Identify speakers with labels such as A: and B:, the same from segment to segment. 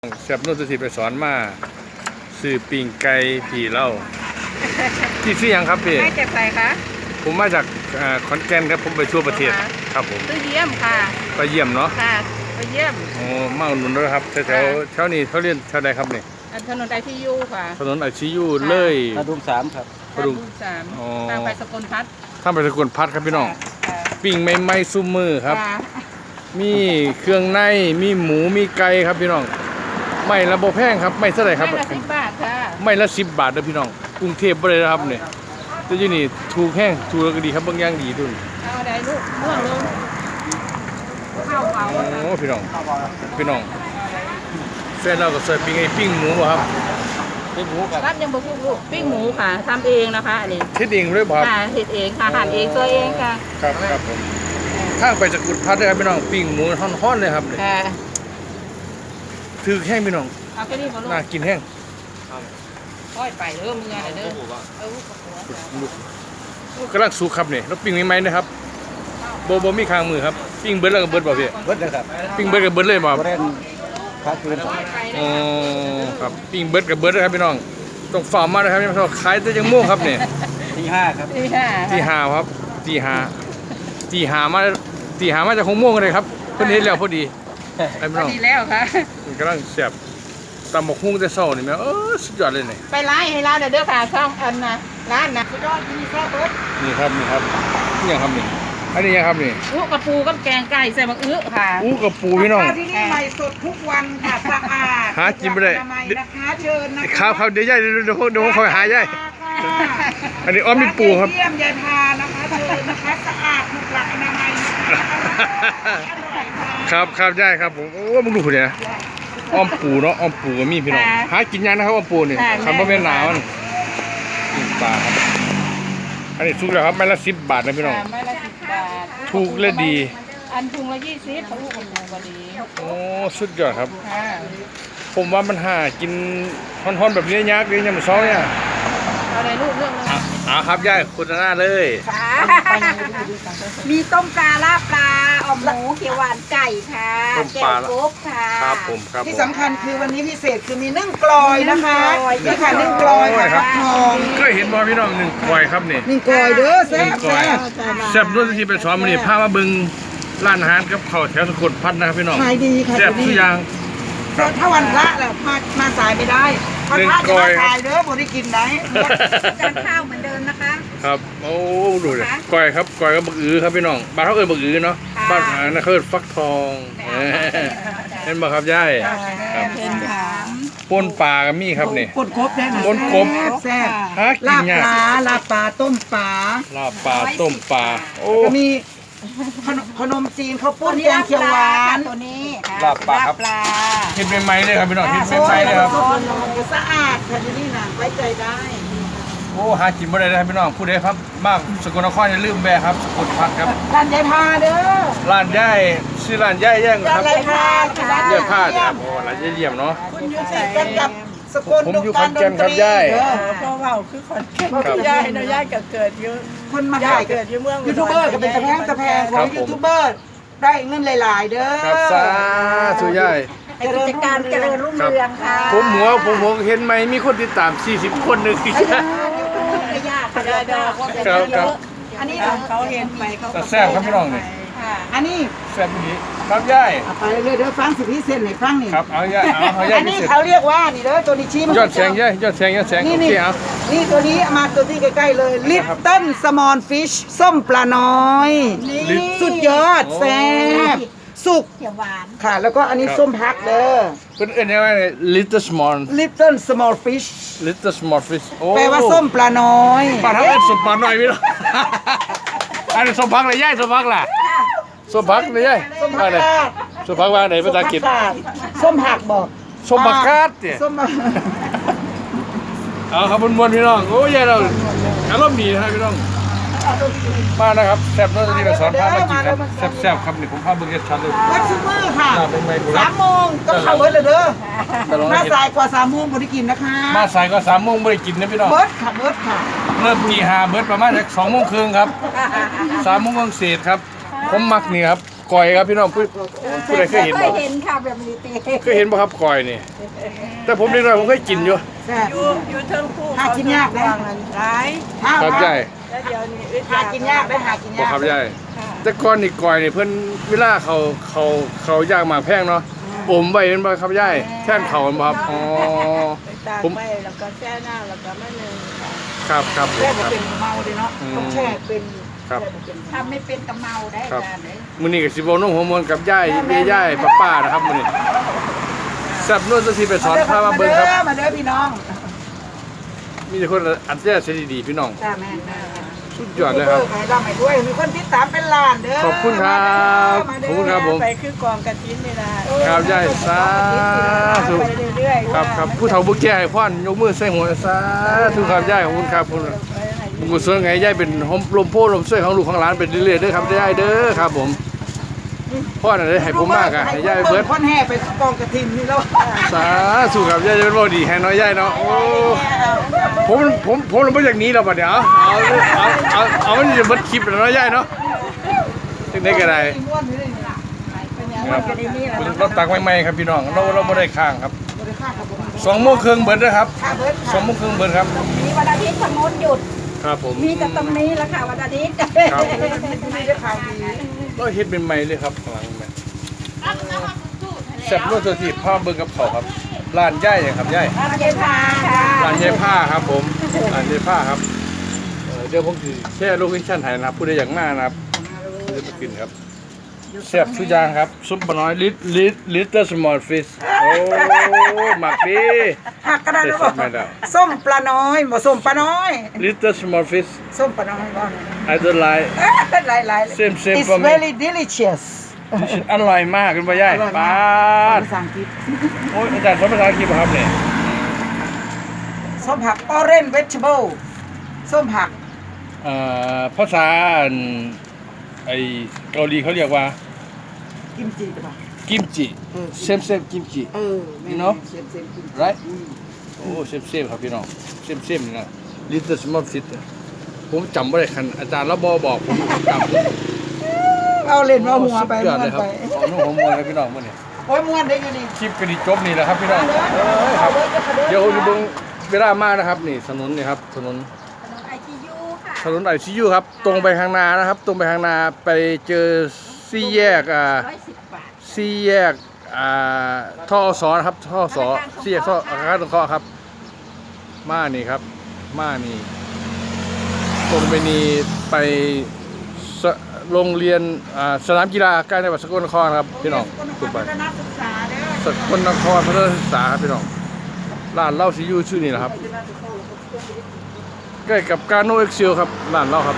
A: แซ่บนุ่นสุธีไปสอนมาซื้อปิ่งไก่ผีเล่าที่ซื้อยังครับพี่
B: ไม่เจ็บใส่คะ
A: ผมมาจากขอนแก่นครับผมไปทั่วประเทศครับผม
B: ซื้อเยี่ยมค่ะ
A: ไปเยี่ยมเนาะ
B: ค่ะไปเยี่ยม
A: โอ้มาอุดหนุนด้วยครับแถวนี้เขาเรียนแถวใดครับนี่
B: ถนนไอซียูค่ะ
A: ถนนไอซียูเลย
C: กระดุม3ครับ
A: กระดุม
B: 3ทางไปสกลพัฒน์
A: ทางไปสกลพัฒน์ครับพี่น้องปิ่งใหม่ๆซุ่มมือครับมีเครื่องในมีหมูมีไก่ครับพี่น้องไม่ละโบแพงครับไม่เท่าไหร่ครับ
B: ไม่ละ10 บาทค่ะ
A: ไม่ละ10 บาทนะพี่น้องกรุงเทพบ่ได้ครับเนี่ยแต่ที่นี่ถูกแห้งถูกแล้วก็ดีครับบางอย่างดีทุน
B: เอาได้ลูกเมื่อลงข้าวเผา
A: โอ้พี่น้องแฟนเราก็ใส่ปิ้งหมูบ่ครับ
C: ปิ้งหมูครับ
B: รับยังบ่พูดลูกปิ้งหมูค่ะทำเองนะคะอันนี้
A: เฮ็ดเองเลยบ่ครับ
B: ค่ะเฮ็ดเองค่ะหั่นเองตัวเองค่ะ
A: ครับผมข้างไปสกุลพัฒน์เลยครับพี่น้องปิ้งหมูฮ้อนๆเลยครับ
B: ค่ะ
A: ถือแห้งพี่น้อง
B: เอาไปนี่บ่ลูก
A: น่ากินแห้ง
B: ค่อยไปเด้อมึงไงเด้
A: อกำลังสุกครับนี่แล้วปิ้งใหม่ๆนะครับบ่มีข้างมือครับปิ้งเบิดแล้วก็เบิดบ่พี่
C: เบิดเลยครับ
A: ปิ้งเบิดก็เบิดเลยบ่
C: บ่ได้พักคืน
A: อ๋อครับปิ้งเบิดกับเบิดนะครับพี่น้องต้องฝ่ามานะครับพี่น้องขายแต่จังโมงครับนี่
C: ตี 5ครับ
A: ตี 5ครับตี5มาจาก6 โมงเลยครับเพิ่นเฮ็ดแล้วพอดีไอ้พี่น้อง
B: ดีแล้วค่ะ
A: มันกำลังแซ่บตำบักหุ่งแต่เช้านี่แม่สุดยอดเลยนี่
B: ไปร้านให้ร้านเด้อค่ะช่องอันนะร้านนะสุดยอดที่แซ่บเบิด
A: นี่ครับนี่ยังครับนี่อันนี้ยังครับนี่
B: อู้กระปูกับแกงไก่ใส่มะอื้อค่ะ
A: อู้กระปูพี่น้อง
D: ที่นี่ใหม่สดทุกวันค่ะสะอาด
A: หากินไม่ได้
D: นะคะเชิญนะคะ
A: ครับเดี๋ยวย่าเดี๋ยวเขาหาย่าอันนี้อ้อมมีปูครับ
D: เยี่ยมยายพานะคะเชิญนะคะสะอาดถูกหลักอนามัย
A: ครับย่าครับผมโอ้มึงดูเนี่ยอ้อมปูเนาะอ้อมปูก็มีพี่น้องหากินยังนะครับอ้อมปูนี่คำว่าแม่หนาวนี่ปลาครับอันนี้ถูกแล้วครับไม้ละ10 บาทนะพี่น้อง
B: ไม้ละ10 บาท
A: ถูกและดี
B: อันถุงละ20เขาลูกคนถูกกว่าดี
A: โอ้สุดยอดครับผมว่ามันหากินฮ้อนๆแบบนี้ยากเลยยังไม่ซ้อเนี่ย
B: อะไรลูกเรื่อง
A: ครับย่าคุณหน้าเลย
D: มีต้มปลาลาบปลาอ่อมหมูเขียวหวานไก่ค่ะแกงกบค่ะ
A: ครับผมครับ
D: ที่สำคัญคือวันนี้พิเศษคือมีนึ่งกลอยนะคะนี่ค่ะนึ่งกลอยค่ะทอง
A: เคยเห็นบ่พี่น้องนึ่งกลอยครับนี่
D: นึ่งกลอยเด้อแซ่
A: บด้วยที่เป็นสอนมันนี่พามาบึงร้านอาหารกับข้าวแถวสกลพัฒน์นะครับพี่น้อง
D: ขายดีค่ะ
A: แซ่บทุกอย่าง
D: ถ้าวันพระแหละมาสายไม่ได้วันพระจะมาสายเด้อบ่ได้กินได้จานข้าวเหมือนเดิมนะคะ
A: ครับโอ้ดูเลยกลอยครับกลอยกับบักอือครับพี่น้องบ้านเขาเอิ้นบักอือเนาะบ้านนั่นเขาเอิ้นฟักทองเห็นบ่ครับย่ายป่นปลาก็มีครับนี่
D: ป่นกบได้
A: ป่นกบ
D: แซ่บ
A: ลา
D: บปลาต้มปลา
A: โอ้
D: มีขนมจีนข้าวปุ้นแกงเขียวหวาน
B: ตัวนี้
A: ลาบปลาครับเห็นใหม่ๆเลยครับพี่น้องเห็นใหม่ๆเลยครับ
D: สะอาดค่ะที่นี่นะไว้ใจได้
A: โอ้หากินบ่ได้เลยครับพี่น้องผู้ใดครับมากสกลนครอย่าลืมแวะครับสกลพัฒน์ครับ
D: ร้านยายพาเด้อ
A: ร้านย่ายชื่อร้านย่ายแย่งครับ
D: ยายพา
A: ย่ายพาครับโอ้ร้านย่ายเยี่ยมเนาะ
D: คุณอยู่ที่กันกับสกล
A: ผมอยู่ขอนแก่นครับย่าย
B: เพราะว่าคือขอนแก่นย่ายเนาะย่ายเกิดเยอะ
D: คนมาถ่าย
B: เกิดอยู่เมือง
D: ยูทูบเบอร์ก็เป็นตะแพงของยูทูบเบอร์ได้เงินหลายๆเด้อ
A: ครับสาธุย่าย
B: กิจการเจริญรุ่งเรืองค่ะ
A: ผมหัวเห็นไหมมีคนติดตาม40 คนนึง
B: ไม่ยากค่ะ
A: ครับ
D: อันนี้
B: เขาเห็นไปเขา
A: แซ่บครับพี่น้องนี่
D: อันนี้
A: แซ่บนี้ครับย่าย
D: ไปเลยเด้อฟังสิพี่เส้นให้ฟังนี่
A: ครับเอาย่าย
D: อันนี้เขาเรียกว่านี่เด้อตัวนี้ชี้มัน
A: ยอดแสงย่ายยอดแสงโอเคเอา
D: นี่ตัวนี้มาตัวที่ใกล้ๆเลย Little Small Fish ส้มปลาน้อยสุดยอดแซ่บสุก
B: เขียวหวาน
D: ค่ะแล้วก็อันนี้ส้มพักเด้อ
A: เป็นยังไง little
D: small fish
A: แ
D: ปลว่าส้มปลาน้อย
A: ปลาทั้งเป็นส้มปลาน้อยพี่น้องอันนี้ส้มพักเลยย่ายส้มพักล่ะส้มพักเลยย่ายส้มพักว่าไหนภาษาอังกฤษ
D: ส้มผักบอก
A: ส้มผักกาดเนี่ยเอาครับมวนพี่น้องโอ้ยเราอารมณ์ดีนะครับพี่น้องมานะครับแซ่บน้องจะนี่มาสอนพามากินครับแซ่บครับนี่ผมพาเบิ้งเฮ็ดชัดเลย
D: วัดซูเปอร์ค่ะ3 โมงต้องเข้าเบิร์ดเลยเด้อมาสายกว่า3 โมงบ่ได้กินนะคะ
A: มาสายกว่า3 โมงบ่ได้กินนะพี่น้อง
D: เบิร์ดค่ะ
A: เริ่มตี 5เบิร์ดประมาณ2 โมงครึ่งครับ3 โมงเศษครับผมมักนี่ครับกอยครับพี่น้องผู้ใดเคยเห็นบ่
B: เห็นค่ะแบบนี้เต้
A: เคยเห็นบ่ครับกอยนี่แต่ผมเด็กน้อยผมเคยกินอยู่
D: แซ่บ
B: อยู่เทิงคู่
D: หากินยากได้
B: ร้าย
A: ครับยาย
B: แล้วเดี๋ยวนี้
D: หากินยากได้หากิน
A: บ่
D: ยาก
A: ครับยายแต่ก่อนนี่กอยนี่เพิ่นเวลาเขาย่างหมากแพงเนาะอมไว้เห็นบ่ครับยายแท่นเขาบ่ครับอ๋อ
B: ไปตากไปแล้วก็แช่น้ำแล้วก็มะนึงค่ะ
A: ครับผม
D: แซ่บ
A: ครับ
D: เป็นเมาเลยเนาะต้องแช่เป็น
A: ครับ
B: ทำไม่เป็นกะเมาได้
A: ครับ
B: จานเลย
A: มื้อนี้ก็สิบ่นุ่งหัวมวนกับยายป้านะครับมื้อนี้แซ่บนวลสิไปสอนพามาเบิ่งครับ
D: มาเด้อพี่น้อง
A: มีแต่คนอัดแย่เสียดีๆพี่น้อง
D: จ้าแม่
A: สุดยอดเลยครับ
D: ใครร่ำให้ด้วยมีคนติดตามเป็นล้านเด้อ
A: ขอบคุณครับ
D: มา
A: ข
D: เด้
A: อบคุณครับผม
B: ไปคือกองกระถินนี่ล่ะ
A: ครับยายสาธุ
B: ไปเรื่อยๆ
A: ครับผู้เฒ่าผู้แก่ให้พรยกมือใส่หัวสาธุครับยายขอบคุณครับคุณกุศลไงยายเป็นลมโพลมช่วยของลูกของหลานเป็นเรื่อยๆเด้อครับยายเด้อครับผมพ่อน่ะได้ให้ผมมากอ่ะให้ยายเบิด
D: คนแห่ไปกองกระถินนี่แล้ว
A: สาธุครับยายจะเป็นบ่ดีให้น้อยยายเนาะโอ้ผมลงมาจากนี้แล้วบัดเดี๋ยวเอามันจะเบิดคลิปแล้วเนาะยายเนาะจังได๋ก็ได้ครับเราตักใหม่ๆครับพี่น้องเราบ่ได้ค้างครับ2:30นเบิดเด้อครับ2:30นเบิดครับ
B: มีวันอาทิตย์สมมติหยุด
A: ครับผม
B: มีแต่ตรงนี้แหละค่ะวันอาทิตย์
A: ครับ
D: ไม่ได้ข่าวดี
A: เราเฮ็ดเป็นใหม่เลยครับข้างหลังแม่แซ่บรสสดๆพาเบิ่งกับเขาวครับร้านย่ายครับย่าย
B: ร้านเจ๊พาค่ะ
A: ร้านยายผ้าครับผมร้านยายผ้าครับเดี๋ยวผมสิแชร์โลเคชั่นให้นะครับผู้ใดอยากมานะครับจะไปกินครับแซ่บทุกอย่างครับซุปปลาน้อยลิตเติ้ลสมอลฟิชโอ้หมักดี
D: หักกระดาษ
A: ได้
D: แล้ว
A: ส
D: บอ
A: ดไม่ได้
D: ส้มปลาน้อยบ่ส้มปลาน้อย
A: Little small fish
D: ส้มปลาน้อยบ่
A: I don't like
D: หลายๆ
A: Same
D: It's
A: for me
D: very delicious
A: อร่อยมากคุณพ่อใหญ่
D: อร่อย
A: ป้าม
D: าก
A: ด
D: ภาษาอังกฤษ
A: โอ้ยอาจารย์สอนภาษาอังกฤษป่ะครับเนี่ย
D: ส้มผัก orange vegetable ส้มผัก
A: ภาษาไอเกาหลีเขาเรียกว่า
D: กิมจิหรือเปล่า
A: กิมจิ
D: เออ
A: เซมกิมจิ
D: You
A: know?
D: เซมกิมจิ
A: right โอ้เซมครับพี่น้องเซมนะ Little small fish ผมจำไม่ได้คันอาจารย์แล้วบอกผมจำ
D: เอาเล่นเอาหัวไป
A: สุดยอด
D: ม้ว
A: เล
D: น
A: ยครับ
D: ไป
A: เอาหนุ่มหัวมวยครับพี่น้องมื่อนี้
D: โอ้ยม้วนได้อยู่นี่
A: คลิปก็ดีจบนี่แหละครับพี่น้องครับ เดี๋ยวจะเบิ่งเวลามากนะครับนี่ถนนนี่ครับถนน
B: ไอทียูค่ะ
A: ถนนไอซียูครับตรงไปข้างหน้านะครับ ตรงไปข้างหน้าไปเจอสี่แยก
B: 110 บาท
A: สี่แยกท่อสอนะครับท่อสอสี่แยกท่ออาคารสงเคราะห์ครับมานี่ครับมานี่ตรงไปนี่ไปโรงเรียนสนามกีฬาใกล้จังหวัดสกลนครครับพี่น้องถูกไป
D: นักศึกษาเด้อ
A: สกลนครพัฒนาศึกษาครับพี่น้องร้านเหล้าซียูชื่อนี่แหละครับใกล้กับการโนเอ็กซิลครับร้านเหล้าครับ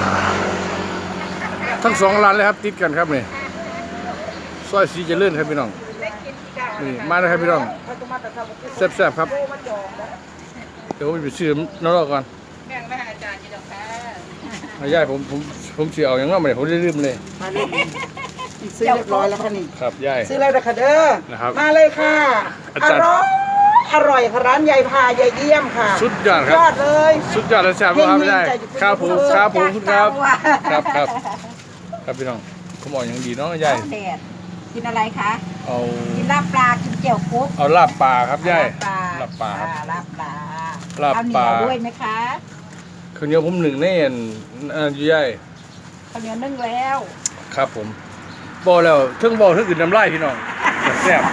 A: ทั้งสองร้านเลยครับติดกันครับนี่ซอยสีเจริญครับพี่น้องนี่มาเลยครับพี่น้องแซ่บๆครับเดี๋ยวผมไปซื้อน้องก่อน
B: แบ่งไปให้อาจารย์อยู่ดอกค่ะ
A: เอาย่ายผมเสียเอาอย่างนั้นมาเลยผมได้ลืมเลย
D: มาเลยซื้อเรียบร้อยแล้วค่ะนี่
A: ครับย่าย
D: ซื้อแล้วนะคะเด้อ
A: นะครับ
D: มาเลยค่ะ
A: อา
D: อ
A: จารย์
D: ร่อยอร่อยค่ะร้านยายพายายเยี่ยมค่ะ
A: สุดยอดครับ
D: ยอดเลย
A: สุดยอดเลยแซ่บมากครับย่ายครับผมครับผมครับ
B: จาก
A: ครับครับพี่น้องผมบอกอย่างดีเนาะย่าย
B: แดดกินอะไรคะ
A: เอา
B: กินลาบปลา กินเจียวกุ๊บ
A: เอาลาบปลาครับย่าย
B: ลาบปลา
A: ลาบปลาครับ
B: ลาบปลา
A: ลาบปลา
B: เอเหนียวด้วยไหมคะ
A: ข้าวเหนียวผมหนึ่งแน่นอยู่ย่าย
B: ข้าวเหนียวนึ่งแล้ว
A: ครับผมบอกแล้วเทิงบอกเทิงอื่นน้ำลายพี่น้องแซ่บ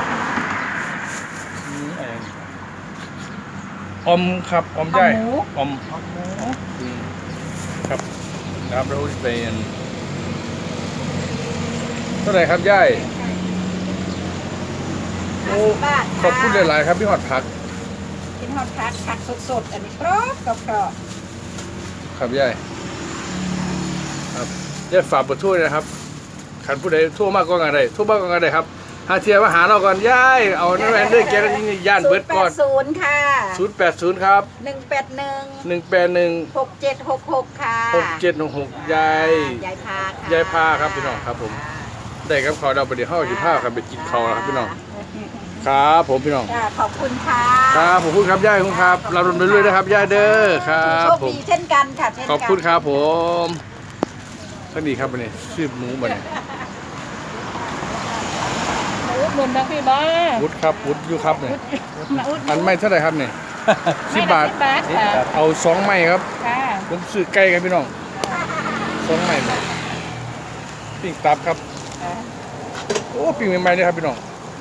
A: อะไรอย่างนี้อมครับอมย่ายอมครับครับเราเป็นเท่าไหร่ครับย่ายโอ้
B: 50 บาท
A: ขอบคุณหลายๆครับพี่หอดผัก
B: กินฮอตผักสดๆ อันนี้กรอบกรอบ
A: ครับย่ายครับย่ายฝากเบอร์โทรด้วยนะครับขันผู้ใดโทรมากก็งานใดโทรมากก็งานใดครับหาเทียมาหาเราก่อนย่ายเอานั่นแหละเรื่องแกนี่ย่านเบิดก่อน
B: 080ค่ะ
A: 080ครับ
B: 181
A: 181
B: 6766 ค่ะ
A: 6716ยาย
B: ยายพาค่ะ
A: ยายพาครับพี่น้องครับผม ได้ครับเขาเราไปเดี๋ยวเข้าสิพาครับไปกินเขาวแล้วครับพี่น้องครับผมพี่น้อง
B: ค่ะขอบคุณค่ะ
A: ครับผมพูดครับย่ายคุณครับเราดำเนินเรื่อยนะครับย่ายเด้อครับ
B: โชค
A: ผม
B: ดีเช่นกันค่ะเช่นกัน
A: ขอบคุณครับผมท่านดีครับวันนี้ชื่อหมูบันนี้
B: หนุนทั้งพี่บ้า
A: วุฒิครับวุฒิอยู่ครับเนี่ย
B: มาอุด
A: อันไม่เท่าไหร่ครับเนี่ย10 บาท
B: 10 บาทค่ะ
A: เอา2ไม้ครับ
B: ค่ะ
A: ผมซื้อไก่กันพี่น้อง2ไม้เลยปิ้งตับครับโอ้ปิ้งใหม่ๆเลยครับพี่น้อง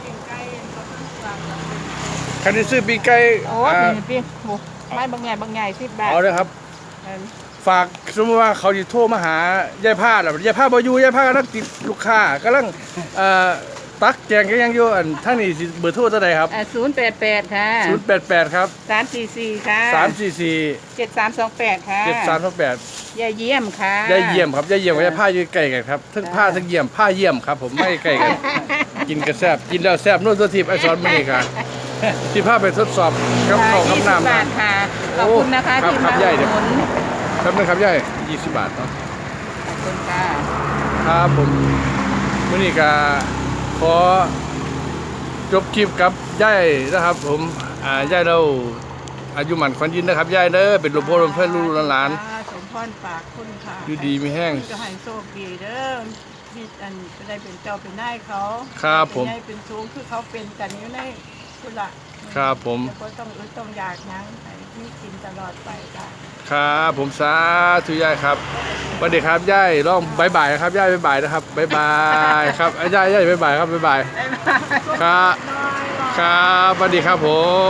A: ใครที่ซื้อปิ้งไก่
B: โอ้พี่ไม่บางใหญ่10 บาท
A: เอาเลยครับ ฝากสมมติว่าเขาจะโทรมาหายายผ้าแล้วยายผ้าบอยู่ยายผ้ากำลังติดลูกค้ากำลังตักแกงกันยังอยู่อันท่านนี่สิเบอร์โทรเท่าไหร่ครับ
B: 088ค่ะ
A: 088ครับ
B: 344ค่ะ
A: 344
B: 7328ค่ะ
A: 7328
B: ยายเยี่ยมค่ะ
A: ยายเยี่ยมครับยายเยี่ยมกับยายผ้าอยู่ใกล้กันครับทั้งผ้าทั้งเยี่ยมผ้าเยี่ยมครับผมไม่ใกล้กัน กินกระแซบกินแล้วแซบนู่นตัวทิพย์ไอซอนมานี่ค่ะที่ผ้าไปทดสอบกับเขาวกับน้ำ
B: 20 บาทค่ะขอบคุณนะคะ
A: ครับ
B: ที่
A: ครั
B: มา
A: บ
B: อุ
A: ยาย
B: ด
A: เดี๋ยว
B: หนุน
A: ครับนะครับยาย20 บาทเนาะ
B: ขอบคุณค่ะ
A: ครับผมวันนี้ก็ขอจบคลิปกับยายนะครับ ผมยายเราอายุหมันขวัญยืนนะครับยายเด้อเป็นหลวงพ่อหลวงเพื่อนลูกหลาน
B: สมพรปากคุณค่ะ
A: อยู่ดีมีแห้ง
B: จะให้โชคดีเด้อที่อันจะได้เป็นเจ้าเป็นนายเขา
A: ครับผม
B: เป็นนายเป็นสูงคือเขาเป็นกันอยู่ในคุณละ
A: ครับผม
B: แล้วก็ต้องต้องอยากยั้งให้มีกินตลอดไปค่ะ
A: ครับผมสาธุยายครับสวัสดีครับยายร้องบายบายนะครับยายบายบายนะครับบายบายครับยายบายบายครับบายบายครับครับสวัสดีครับผม